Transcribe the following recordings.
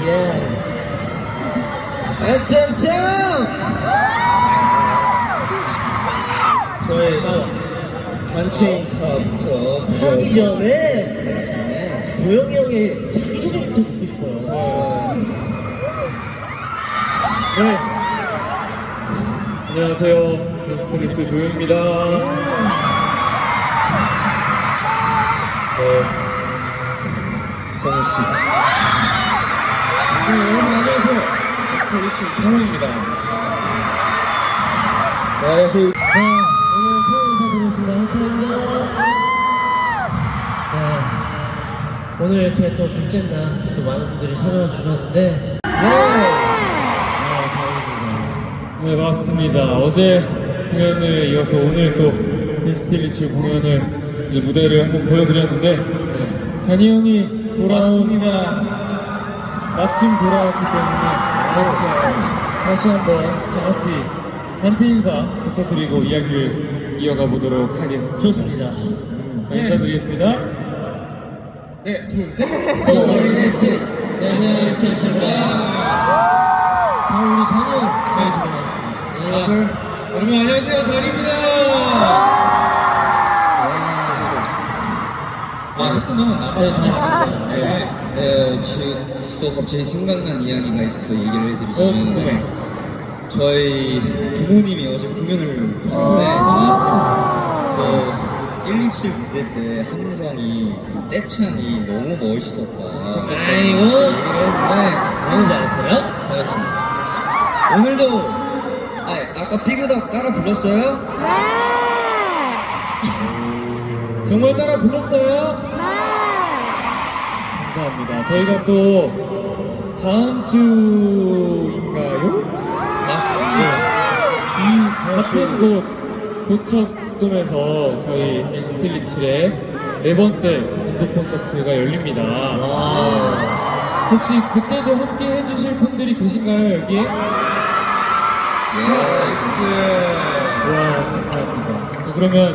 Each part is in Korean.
SM 저희 단체 인사부터 하기 전에 도영이 형의 자기소개부터 듣고 싶어요. 네. 안녕하세요. 베스트리스 도영입니다. 정우씨. 여러분 안녕하세요. 베스트리스 정우입니다. 안녕하세요. 오늘 처음 인사드리겠습니다. 해찬입니다. 오늘 이렇게 또 둘째 날 또 많은 분들이 찾아와 주셨는데 다행입니다. 네 맞습니다. 어제 공연을 이어서 오늘 또 베스트리스 공연을 이제 무대를 한번 보여드렸는데 잔이 형이 마침 돌아왔기 때문에 다시 한번 다 같이 단체 인사부터 드리고 이야기를 이어가 보도록 하겠습니다. 좋습니다. 자, 인사드리겠습니다. 네, 둘, 셋. 저희는 우리 잔이 형 들어가겠습니다. 여러분 안녕하세요, 잔입니다. 했구나. 네, 다 했습니다. 지금 또 갑자기 생각난 이야기가 있어서 얘기를 해드리자면 궁금해. 저희 부모님이 어제 공연을 했는데 또 127 무대 때 함성이 그 떼창이 너무 멋있었다. 아이고 얘기를 했는데 너무 잘했어요? 잘했습니다. 오늘도 아까 피그덕 따라 불렀어요? 정말 따라 불렀어요? 감사합니다. 저희가 또 다음 주인가요? 이 같은 곳 고척돔에서 저희 NCT127의 네 번째 단독 콘서트가 열립니다. 혹시 그때도 함께 해주실 분들이 계신가요 여기에? 와 감사합니다. 자 그러면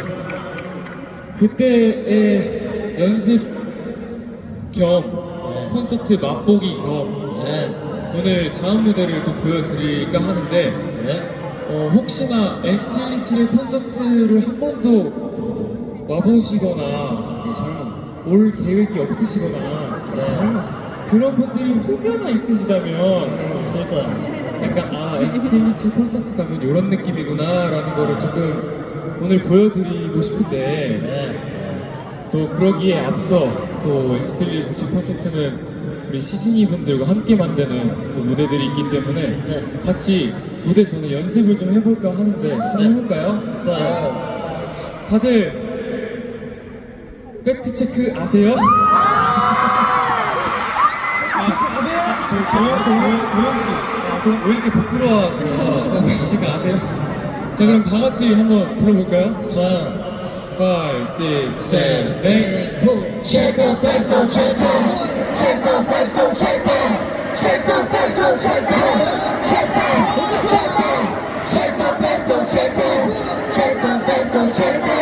그때의 연습 겸 콘서트 맛보기 겸 오늘 다음 무대를 또 보여드릴까 하는데 혹시나 NCT127의 콘서트를 한 번도 와보시거나 올 계획이 없으시거나 그런 분들이 혹여나 있으시다면 있을 거야. 약간 NCT127 콘서트 가면 이런 느낌이구나 라는 거를 조금 오늘 보여드리고 싶은데 또 그러기에 앞서 또 NCT127 콘서트는 우리 시즈니 분들과 함께 만드는 또 무대들이 있기 때문에 같이 무대 전에 연습을 좀 해볼까 하는데 한번 해볼까요? 좋아요. 다들 팩트 체크 아세요? 도영 씨 아세요? 왜 이렇게 부끄러워하세요? 팩트 체크 아세요? 자 그럼 다 같이 한번 불러볼까요? 좋아요. 5, 6, 7, 8 Check the face, go check that. Check the face, go check that. Check the face, go check that. Check that. Check that. Check the face, go check that. Check the face, go check that.